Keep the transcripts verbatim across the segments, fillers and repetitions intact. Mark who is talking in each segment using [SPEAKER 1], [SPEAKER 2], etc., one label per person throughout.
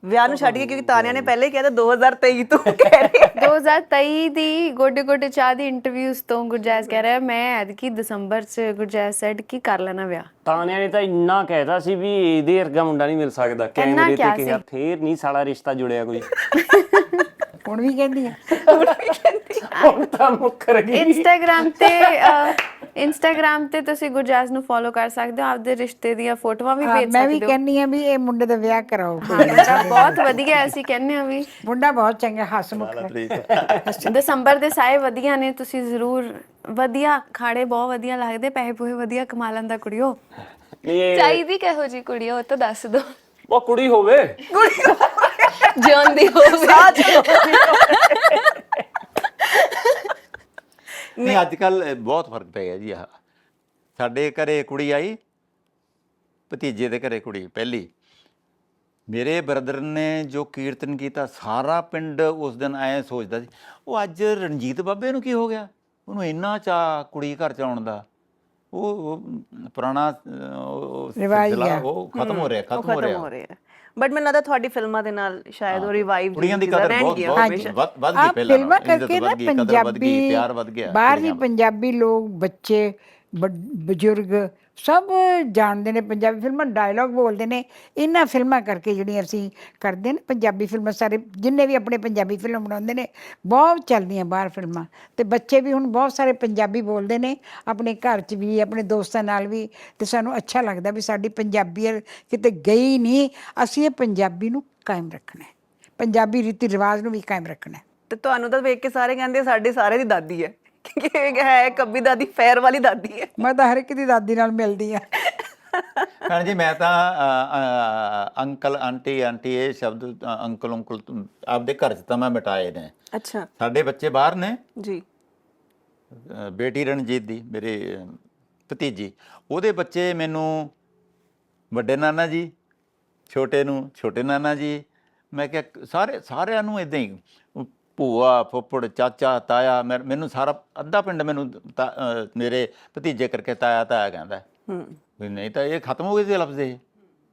[SPEAKER 1] ਵਿਆਹ ਨੂੰ ਛੱਡ ਕੇ, ਕਿਉਂਕਿ ਤਾਨਿਆ ਨੇ ਪਹਿਲੇ ਕਿਹਾ ਤਾਂ ਦੋ ਹਜ਼ਾਰ ਤੇਈ ਤੋਂ ਕਹਿ ਰਹੀ
[SPEAKER 2] ਦੋ ਹਜ਼ਾਰ ਤੇਈ ਦੀ ਗੋਡੇ ਗੋਡੇ ਚਾਹ ਦੀ ਇੰਟਰਵਿਊਜ਼ ਤੋਂ ਗੁਰਜੈਸ ਕਹਿ ਰਿਹਾ ਮੈਂ ਐਤਕੀ ਦਸੰਬਰ ਚ ਗੁਰਜੈਸ ਸੈਡ ਕੀ ਕਰ ਲੈਣਾ ਵਿਆਹ।
[SPEAKER 3] ਤਾਨਿਆ ਨੇ ਤਾਂ ਇੰਨਾ ਕਹਿਤਾ ਸੀ ਵੀ ਇਹਦੇ ਵਰਗਾ ਮੁੰਡਾ ਨਹੀਂ ਮਿਲ ਸਕਦਾ, ਕੈਮਰੇ ਤੇ ਕਿਹਾ, ਫੇਰ ਨਹੀਂ ਸਾਲਾ ਰਿਸ਼ਤਾ ਜੁੜਿਆ ਕੋਈ।
[SPEAKER 4] ਹੁਣ ਵੀ ਕਹਿੰਦੀ ਆ,
[SPEAKER 3] ਹੁਣ ਤਾਂ ਮੁੱਕਰ ਗਈ।
[SPEAKER 2] ਇੰਸਟਾਗ੍ਰਾਮ ਤੇ ਇੰਸਟਾਗ੍ਰਾਮ ਤੇ ਤੁਸੀਂ ਗੁਰਜੈਸ ਨੂੰ ਫੋਲੋ ਕਰ ਸਕਦੇ ਹੋ, ਆਪਦੇ ਰਿਸ਼ਤੇ ਦੀਆਂ ਫੋਟੋਆਂ ਵੀ ਭੇਜ ਸਕਦੇ ਹੋ।
[SPEAKER 4] ਮੈਂ ਵੀ ਕਹਿੰਨੀ ਆ ਵੀ ਇਹ ਮੁੰਡੇ ਦਾ ਵਿਆਹ ਕਰਾਓ।
[SPEAKER 2] ਹਾਂ ਬਹੁਤ ਵਧੀਆ, ਅਸੀਂ ਕਹਿੰਦੇ ਆ ਵੀ
[SPEAKER 4] ਮੁੰਡਾ ਬਹੁਤ ਚੰਗਾ, ਹੱਸਮੁਖ।
[SPEAKER 2] ਦਸੰਬਰ ਦੇ ਸਾਏ ਵਧੀਆ ਨੇ, ਤੁਸੀਂ ਜ਼ਰੂਰ ਵਧੀਆ ਖਾੜੇ ਬਹੁਤ ਵਧੀਆ ਲੱਗਦੇ, ਪੈਸੇ ਪੂਹੇ ਵਧੀਆ ਕਮਾ ਲੈਂਦਾ ਕੁੜੀਓ।
[SPEAKER 5] ਚਾਹੀਦੀ ਕਿਹੋ ਜੀ ਕੁੜੀ ਉਹ ਤਾਂ ਦੱਸ ਦੋ।
[SPEAKER 3] ਉਹ ਕੁੜੀ ਹੋਵੇ,
[SPEAKER 5] ਜਿਉਂਦੀ ਹੋਵੇ।
[SPEAKER 6] ਨਹੀਂ ਅੱਜ ਕੱਲ ਬਹੁਤ ਫਰਕ ਪੈ ਗਿਆ ਜੀ। ਆਹ ਸਾਡੇ ਘਰੇ ਕੁੜੀ ਆਈ, ਭਤੀਜੇ ਦੇ ਘਰੇ ਕੁੜੀ ਪਹਿਲੀ, ਮੇਰੇ ਬ੍ਰਦਰ ਨੇ ਜੋ ਕੀਰਤਨ ਕੀਤਾ ਸਾਰਾ ਪਿੰਡ ਉਸ ਦਿਨ ਐਂ ਸੋਚਦਾ ਸੀ ਉਹ ਅੱਜ ਰਣਜੀਤ ਬਾਬੇ ਨੂੰ ਕੀ ਹੋ ਗਿਆ, ਉਹਨੂੰ ਇੰਨਾ ਚਾਅ ਕੁੜੀ ਘਰ ਚ ਆਉਣ ਦਾ। ਉਹ ਪੁਰਾਣਾ ਸਿਲਸਿਲਾ ਉਹ ਖਤਮ ਹੋ ਰਿਹਾ, ਖਤਮ ਹੋ ਰਿਹਾ।
[SPEAKER 1] ਬਟ ਮੈਨੂੰ ਲੱਗਦਾ ਤੁਹਾਡੀ ਫਿਲਮਾਂ ਦੇ ਨਾਲ ਸ਼ਾਇਦ ਉਹ ਰਿਵਾਈਵ
[SPEAKER 6] ਕੁੜੀਆਂ ਦੀ ਕਦਰ ਬਹੁਤ ਬਹੁਤ ਵੱਧ ਗਈ। ਪਹਿਲਾਂ
[SPEAKER 4] ਫਿਲਮਾਂ ਕਰਕੇ ਨਾ ਪੰਜਾਬੀ
[SPEAKER 6] ਪਿਆਰ ਵੱਧ ਗਿਆ,
[SPEAKER 4] ਬਾਹਰ ਵੀ ਪੰਜਾਬੀ ਲੋਕ, ਬੱਚੇ, ਬਜ਼ੁਰਗ ਸਭ ਜਾਣਦੇ ਨੇ ਪੰਜਾਬੀ ਫਿਲਮਾਂ, ਡਾਇਲੌਗ ਬੋਲਦੇ ਨੇ ਇਹਨਾਂ ਫਿਲਮਾਂ ਕਰਕੇ ਜਿਹੜੀਆਂ ਅਸੀਂ ਕਰਦੇ ਨੇ। ਪੰਜਾਬੀ ਫਿਲਮਾਂ ਸਾਰੇ ਜਿੰਨੇ ਵੀ ਆਪਣੇ ਪੰਜਾਬੀ ਫਿਲਮ ਬਣਾਉਂਦੇ ਨੇ ਬਹੁਤ ਚੱਲਦੀਆਂ ਬਾਹਰ ਫਿਲਮਾਂ, ਅਤੇ ਬੱਚੇ ਵੀ ਹੁਣ ਬਹੁਤ ਸਾਰੇ ਪੰਜਾਬੀ ਬੋਲਦੇ ਨੇ ਆਪਣੇ ਘਰ 'ਚ ਵੀ, ਆਪਣੇ ਦੋਸਤਾਂ ਨਾਲ ਵੀ, ਅਤੇ ਸਾਨੂੰ ਅੱਛਾ ਲੱਗਦਾ ਵੀ ਸਾਡੀ ਪੰਜਾਬੀਅਤ ਕਿਤੇ ਗਈ ਨਹੀਂ। ਅਸੀਂ ਇਹ ਪੰਜਾਬੀ ਨੂੰ ਕਾਇਮ ਰੱਖਣਾ, ਪੰਜਾਬੀ ਰੀਤੀ ਰਿਵਾਜ ਨੂੰ ਵੀ ਕਾਇਮ ਰੱਖਣਾ।
[SPEAKER 1] ਤੇ ਤੁਹਾਨੂੰ ਤਾਂ ਵੇਖ ਕੇ ਸਾਰੇ ਕਹਿੰਦੇ ਸਾਡੇ ਸਾਰੇ ਦੀ ਦਾਦੀ ਹੈ, ਕਿ ਹੈ ਕੱਬੀ ਦਾਦੀ, ਫੈਰ ਵਾਲੀ ਦਾਦੀ ਹੈ।
[SPEAKER 4] ਮੈਂ ਤਾਂ ਹਰ ਇੱਕ ਦੀ ਦਾਦੀ ਨਾਲ ਮਿਲਦੀ ਆ।
[SPEAKER 6] ਭੈਣ ਜੀ ਮੈਂ ਤਾਂ ਅੰਕਲ ਆਂਟੀ ਆਂਟੀ ਇਹ ਸ਼ਬਦ ਅੰਕਲ ਉਂਕਲ ਆਪਦੇ ਘਰ 'ਚ ਤਾਂ ਮੈਂ ਮਿਟਾਏ ਨੇ।
[SPEAKER 1] ਅੱਛਾ।
[SPEAKER 6] ਸਾਡੇ ਬੱਚੇ ਬਾਹਰ ਨੇ
[SPEAKER 1] ਜੀ।
[SPEAKER 6] ਬੇਟੀ ਰਣਜੀਤ ਦੀ, ਮੇਰੇ ਭਤੀਜੀ, ਉਹਦੇ ਬੱਚੇ ਮੈਨੂੰ ਵੱਡੇ ਨਾਨਾ ਜੀ, ਛੋਟੇ ਨੂੰ ਛੋਟੇ ਨਾਨਾ ਜੀ, ਮੈਂ ਕਿਹਾ ਸਾਰੇ ਸਾਰਿਆਂ ਨੂੰ ਇੱਦਾਂ ਹੀ ਭੂਆ ਫੁੱਫੜ ਚਾਚਾ ਤਾਇਆ, ਮੈਨੂੰ ਸਾਰਾ ਅੱਧਾ ਪਿੰਡ ਮੈਨੂੰ ਮੇਰੇ ਭਤੀਜੇ ਕਰਕੇ ਤਾਇਆ ਤਾਇਆ ਕਹਿੰਦਾ। ਵੀ ਨਹੀਂ ਤਾਂ ਇਹ ਖਤਮ ਹੋ ਗਏ ਸੀ ਲਫ਼ਜ਼, ਇਹ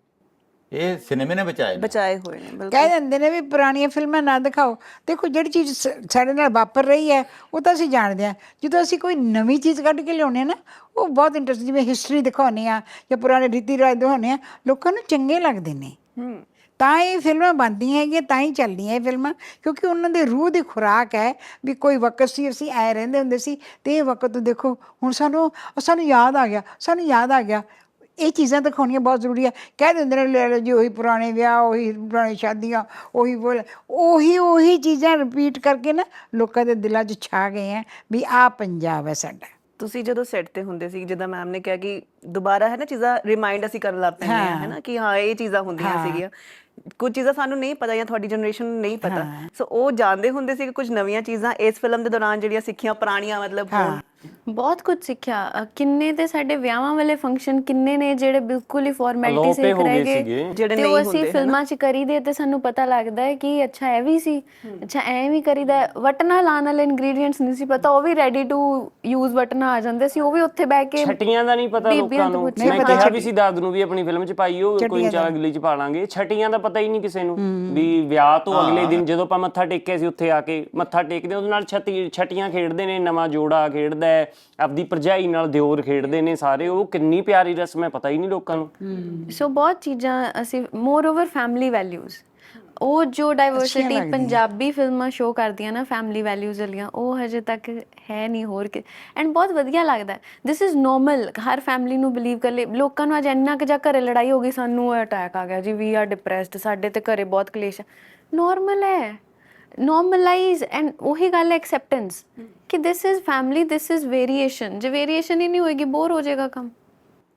[SPEAKER 6] ਇਹ ਸਿਨੇਮੇ ਨੇ ਬਚਾਏ
[SPEAKER 1] ਬਚਾਏ ਹੋਏ ਨੇ।
[SPEAKER 4] ਕਹਿ ਦਿੰਦੇ ਨੇ ਵੀ ਪੁਰਾਣੀਆਂ ਫਿਲਮਾਂ ਨਾ ਦਿਖਾਓ। ਦੇਖੋ ਜਿਹੜੀ ਚੀਜ਼ ਸਾਡੇ ਨਾਲ ਵਾਪਰ ਰਹੀ ਹੈ ਉਹ ਤਾਂ ਅਸੀਂ ਜਾਣਦੇ ਹਾਂ, ਜਦੋਂ ਅਸੀਂ ਕੋਈ ਨਵੀਂ ਚੀਜ਼ ਕੱਢ ਕੇ ਲਿਆਉਂਦੇ ਹਾਂ ਨਾ ਉਹ ਬਹੁਤ ਇੰਟਰਸਟ, ਜਿਵੇਂ ਹਿਸਟਰੀ ਦਿਖਾਉਂਦੇ ਹਾਂ ਜਾਂ ਪੁਰਾਣੇ ਰੀਤੀ ਰਿਵਾਜ ਦਿਖਾਉਂਦੇ ਹਾਂ, ਲੋਕਾਂ ਨੂੰ ਚੰਗੇ ਲੱਗਦੇ ਨੇ, ਤਾਂ ਇਹ ਫਿਲਮਾਂ ਬਣਦੀਆਂ ਹੈਗੀਆਂ, ਤਾਂ ਹੀ ਚੱਲਦੀਆਂ ਇਹ ਫਿਲਮਾਂ, ਕਿਉਂਕਿ ਉਹਨਾਂ ਦੇ ਰੂਹ ਦੀ ਖੁਰਾਕ ਹੈ। ਵੀ ਕੋਈ ਵਕਤ ਸੀ ਅਸੀਂ ਐਂ ਰਹਿੰਦੇ ਹੁੰਦੇ ਸੀ, ਅਤੇ ਇਹ ਵਕਤ ਦੇਖੋ ਹੁਣ ਸਾਨੂੰ ਸਾਨੂੰ ਯਾਦ ਆ ਗਿਆ, ਸਾਨੂੰ ਯਾਦ ਆ ਗਿਆ। ਇਹ ਚੀਜ਼ਾਂ ਦਿਖਾਉਣੀਆਂ ਬਹੁਤ ਜ਼ਰੂਰੀ ਹੈ। ਕਹਿ ਦਿੰਦੇ ਨੇ ਲੈ ਲਓ ਜੀ ਉਹੀ ਪੁਰਾਣੇ ਵਿਆਹ, ਉਹੀ ਪੁਰਾਣੀ ਸ਼ਾਦੀਆਂ, ਉਹੀ ਬੋਲ ਉਹੀ ਉਹੀ ਚੀਜ਼ਾਂ ਰਿਪੀਟ ਕਰਕੇ ਨਾ ਲੋਕਾਂ ਦੇ ਦਿਲਾਂ 'ਚ ਛਾ ਗਏ ਹੈ ਵੀ ਆਹ ਪੰਜਾਬ ਹੈ ਸਾਡਾ।
[SPEAKER 1] ਤੁਸੀਂ ਜਦੋਂ ਸੈੱਟ ਤੇ ਹੁੰਦੇ ਸੀ, ਜਿੱਦਾਂ ਮੈਮ ਨੇ ਕਿਹਾ ਕਿ ਦੁਬਾਰਾ ਹੈ ਨਾ ਚੀਜ਼ਾਂ ਰਿਮਾਈਂਡ ਅਸੀਂ ਕਰਨ ਲੱਗ ਪੈਂਦੇ ਹਾਂ, ਹੈ ਨਾ, ਕਿ ਹਾਂ ਇਹ ਚੀਜ਼ਾਂ ਹੁੰਦੀਆਂ ਸੀਗੀਆਂ, ਕੁਝ ਚੀਜ਼ਾਂ ਸਾਨੂੰ ਨਹੀਂ ਪਤਾ ਜਾਂ ਤੁਹਾਡੀ ਜਨਰੇਸ਼ਨ ਨੂੰ ਨਹੀਂ ਪਤਾ, ਸੋ ਉਹ ਜਾਣਦੇ ਹੁੰਦੇ ਸੀ ਕਿ ਕੁਝ ਨਵੀਆਂ ਚੀਜ਼ਾਂ ਇਸ ਫਿਲਮ ਦੇ ਦੌਰਾਨ ਜਿਹੜੀਆਂ ਸਿੱਖੀਆਂ ਪੁਰਾਣੀਆਂ ਮਤਲਬ ਹੋਣ।
[SPEAKER 2] ਬਹੁਤ ਕੁਝ ਸਿੱਖਿਆ। ਕਿੰਨੇ ਤੇ ਸਾਡੇ ਵਿਆਹਾਂ ਵਾਲੇ ਫੰਕਸ਼ਨ ਕਿੰਨੇ ਨੇ ਜਿਹੜੇ ਬਿਲਕੁਲ ਹੀ ਫਾਰਮੈਲਿਟੀ ਸਿੱਖ ਰਹੇ ਗਏ,
[SPEAKER 1] ਜਿਹੜੇ
[SPEAKER 2] ਨਹੀਂ ਅਸੀਂ ਫਿਲਮਾਂ 'ਚ ਕਰੀਦੇ ਤੇ ਸਾਨੂੰ ਪਤਾ ਲੱਗਦਾ ਹੈ ਕਿ ਅੱਛਾ ਇਹ ਵੀ ਸੀ, ਅੱਛਾ ਐਂ ਵੀ ਕਰੀਦਾ। ਵਟਣਾ ਲਾਉਣ ਵਾਲੇ ਇੰਗਰੀਡੀਐਂਟਸ ਨਹੀਂ ਸੀ ਪਤਾ, ਉਹ ਵੀ ਰੈਡੀ ਟੂ ਯੂਜ਼ ਵਟਣਾ ਆ ਜਾਂਦੇ ਸੀ, ਉਹ ਵੀ ਉੱਥੇ ਬਹਿ ਕੇ।
[SPEAKER 3] ਛਟੀਆਂ ਦਾ ਨਹੀਂ ਪਤਾ ਲੋਕਾਂ ਨੂੰ, ਮੈਂ ਕਿਹਾ ਵੀ ਸੀ ਦਾਦ ਨੂੰ ਵੀ ਆਪਣੀ ਫਿਲਮ 'ਚ ਪਾਈਓ, ਕੋਈ ਚਾਹ ਅਗਲੀ 'ਚ ਪਾ ਲਾਂਗੇ। ਛਟੀਆਂ ਦਾ ਪਤਾ ਹੀ ਨਹੀਂ ਕਿਸੇ ਨੂੰ ਵੀ ਵਿਆਹ ਤੋਂ ਅਗਲੇ ਦਿਨ ਜਦੋਂ ਆਪਾਂ ਮੱਥਾ ਟੇਕਿਆ ਸੀ, ਉੱਥੇ ਆ ਕੇ ਮੱਥਾ ਟੇਕਦੇ ਉਹਦੇ ਨਾਲ ਛਤੀ ਛਟੀਆਂ ਖੇਡਦੇ ਨੇ, ਨਵਾਂ ਜੋੜਾ ਖੇਡਦਾ, ਆਪਦੀ ਭਰਜਾਈ ਨਾਲ ਦਿਓਰ ਖੇਡਦੇ ਨੇ ਸਾਰੇ, ਉਹ ਕਿੰਨੀ ਪਿਆਰੀ ਰਸਮ ਹੈ, ਪਤਾ ਹੀ ਨਹੀਂ ਲੋਕਾਂ ਨੂੰ।
[SPEAKER 2] ਸੋ ਬਹੁਤ ਚੀਜ਼ਾਂ ਅਸੀਂ, ਮੋਰ ਓਵਰ ਫੈਮਿਲੀ ਵੈਲਿਊਜ਼, ਉਹ ਜੋ ਡਾਈਵਰਸਿਟੀ ਪੰਜਾਬੀ ਫਿਲਮਾਂ ਸ਼ੋਅ ਕਰਦੀਆਂ ਨਾ ਫੈਮਿਲੀ ਵੈਲਿਊਜ਼ ਵਾਲੀਆਂ, ਉਹ ਹਜੇ ਤੱਕ ਹੈ ਨਹੀਂ ਹੋਰ ਕਿ। ਐਂਡ ਬਹੁਤ ਵਧੀਆ ਲੱਗਦਾ, ਦਿਸ ਇਜ਼ ਨੋਰਮਲ, ਹਰ ਫੈਮਿਲੀ ਨੂੰ ਬਿਲੀਵ ਕਰ ਲੈ। ਲੋਕਾਂ ਨੂੰ ਅੱਜ ਇੰਨਾ ਕੁ ਜਾਂ ਘਰੇ ਲੜਾਈ ਹੋ ਗਈ, ਸਾਨੂੰ ਅਟੈਕ ਆ ਗਿਆ ਜੀ, ਵੀ ਆਰ ਡਿਪਰੈਸਡ, ਸਾਡੇ ਤੇ ਘਰੇ ਬਹੁਤ ਕਲੇਸ਼ ਹੈ, ਨੋਰਮਲ ਹੈ, ਨੋਰਮਲਾਈਜ਼। ਐਂਡ ਉਹੀ ਗੱਲ ਹੈ ਐਕਸੈਪਟੈਂਸ, ਕਿ this is family, this is variation. ਜੇ ਵੇਰੀਏਸ਼ਨ ਹੀ ਨਹੀਂ ਹੋਏਗੀ ਬੋਰ ਹੋ ਜਾਏਗਾ ਕੰਮ।